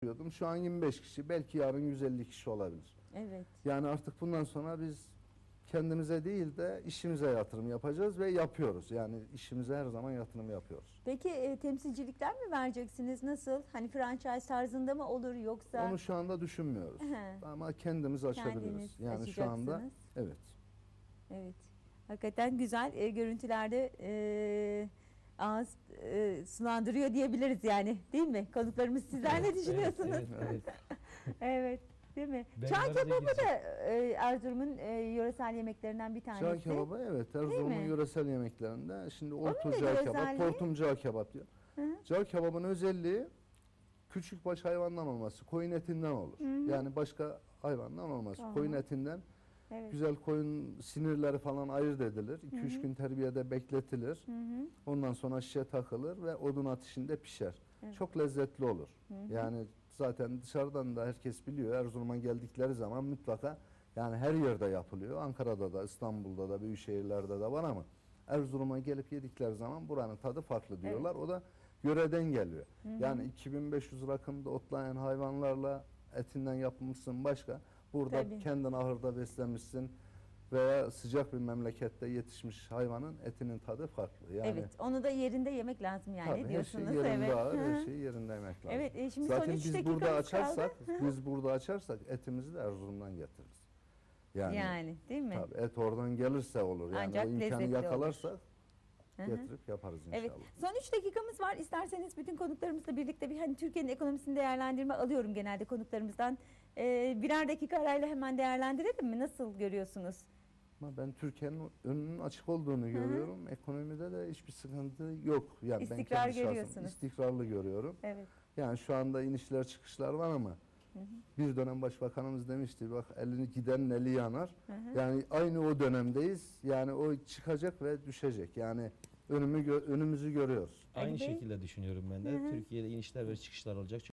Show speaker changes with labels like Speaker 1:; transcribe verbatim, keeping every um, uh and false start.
Speaker 1: diyordum. Şu an yirmi beş kişi, belki yarın yüz elli kişi olabilir.
Speaker 2: Evet.
Speaker 1: Yani artık bundan sonra biz kendimize değil de işimize yatırım yapacağız ve yapıyoruz. Yani işimize her zaman yatırım yapıyoruz.
Speaker 2: Peki e, temsilcilikler mi vereceksiniz? Nasıl? Hani franchise tarzında mı olur yoksa?
Speaker 1: Onu şu anda düşünmüyoruz.
Speaker 2: Hı.
Speaker 1: Ama kendimiz açabiliriz.
Speaker 2: Kendiniz
Speaker 1: Yani şu anda
Speaker 2: açacaksınız.
Speaker 1: evet.
Speaker 2: Evet. Hakikaten güzel e, görüntülerde e, ağız e, sulandırıyor diyebiliriz yani. Değil mi? Konuklarımız sizler ne düşünüyorsunuz?
Speaker 3: Evet, evet, evet.
Speaker 2: Evet. Değil mi?
Speaker 3: Ben
Speaker 2: Çağ
Speaker 3: arada
Speaker 2: kebabı
Speaker 3: gireceğim.
Speaker 2: da e, Erzurum'un e, yöresel yemeklerinden bir tanesi.
Speaker 1: Çağ kebabı evet. Erzurum'un
Speaker 2: mi?
Speaker 1: yöresel yemeklerinde. Şimdi
Speaker 2: Onun
Speaker 1: ortu
Speaker 2: da bir
Speaker 1: cağ kebap,
Speaker 2: özelliği?
Speaker 1: tortum cağ kebap diyor.
Speaker 2: Hı hı.
Speaker 1: Cağ kebabın özelliği küçük baş hayvandan olması. Koyun etinden olur.
Speaker 2: Hı hı.
Speaker 1: Yani başka hayvandan olmaz.
Speaker 2: Tamam.
Speaker 1: Koyun etinden
Speaker 2: Evet.
Speaker 1: güzel, koyun sinirleri falan ayırt edilir. iki üç gün terbiyede bekletilir.
Speaker 2: Hı hı.
Speaker 1: Ondan sonra şişe takılır ve odun ateşinde pişer.
Speaker 2: Evet.
Speaker 1: Çok lezzetli olur.
Speaker 2: Hı hı.
Speaker 1: Yani zaten dışarıdan da herkes biliyor. Erzurum'a geldikleri zaman mutlaka, yani her yerde yapılıyor. Ankara'da da, İstanbul'da da, büyük şehirlerde de var ama Erzurum'a gelip yedikleri zaman buranın tadı farklı diyorlar. O da yöreden geliyor.
Speaker 2: Hı hı.
Speaker 1: Yani iki bin beş yüz rakımda otlayan hayvanlarla etinden yapılmışsın başka. Burada
Speaker 2: Tabii.
Speaker 1: kendin ahırda beslemişsin veya sıcak bir memlekette yetişmiş hayvanın etinin tadı farklı. Yani
Speaker 2: Evet, onu da yerinde yemek lazım yani
Speaker 1: tabii her şey
Speaker 2: diyorsunuz.
Speaker 1: yerinde
Speaker 2: Evet.
Speaker 1: ağır,
Speaker 2: Hı hı.
Speaker 1: her şey yerinde yemek lazım.
Speaker 2: Evet, e, şimdi son
Speaker 1: Zaten
Speaker 2: üç
Speaker 1: biz
Speaker 2: dakikamız
Speaker 1: burada açarsak,
Speaker 2: kaldı.
Speaker 1: biz burada açarsak etimizi de Erzurum'dan getiririz. Yani,
Speaker 2: Yani, değil mi?
Speaker 1: tabii et oradan gelirse olur. Yani
Speaker 2: Ancak
Speaker 1: o imkanı
Speaker 2: lezzetli
Speaker 1: yakalarsak
Speaker 2: Hı hı.
Speaker 1: getirip yaparız inşallah.
Speaker 2: Evet. Son üç dakikamız var. İsterseniz bütün konuklarımızla birlikte bir hani Türkiye'nin ekonomisini değerlendirme alıyorum genelde konuklarımızdan. Ee, birer dakika arayla hemen değerlendirelim mi? Nasıl görüyorsunuz?
Speaker 1: Ama ben Türkiye'nin önünün açık olduğunu görüyorum. Ekonomide de hiçbir sıkıntı yok. Yani
Speaker 2: İstikrar
Speaker 1: ben kendi şahsım
Speaker 2: görüyorsunuz.
Speaker 1: istikrarlı görüyorum.
Speaker 2: Evet.
Speaker 1: Yani şu anda inişler çıkışlar var ama
Speaker 2: Hı hı.
Speaker 1: bir dönem başbakanımız demişti, bak elini gidenin eli yanar.
Speaker 2: Hı hı.
Speaker 1: Yani aynı o dönemdeyiz. Yani o çıkacak ve düşecek. Yani önümü gö- önümüzü görüyoruz.
Speaker 2: Ali
Speaker 3: Aynı
Speaker 2: Bey?
Speaker 3: şekilde düşünüyorum ben de.
Speaker 2: Hı hı.
Speaker 3: Türkiye'de inişler ve çıkışlar olacak.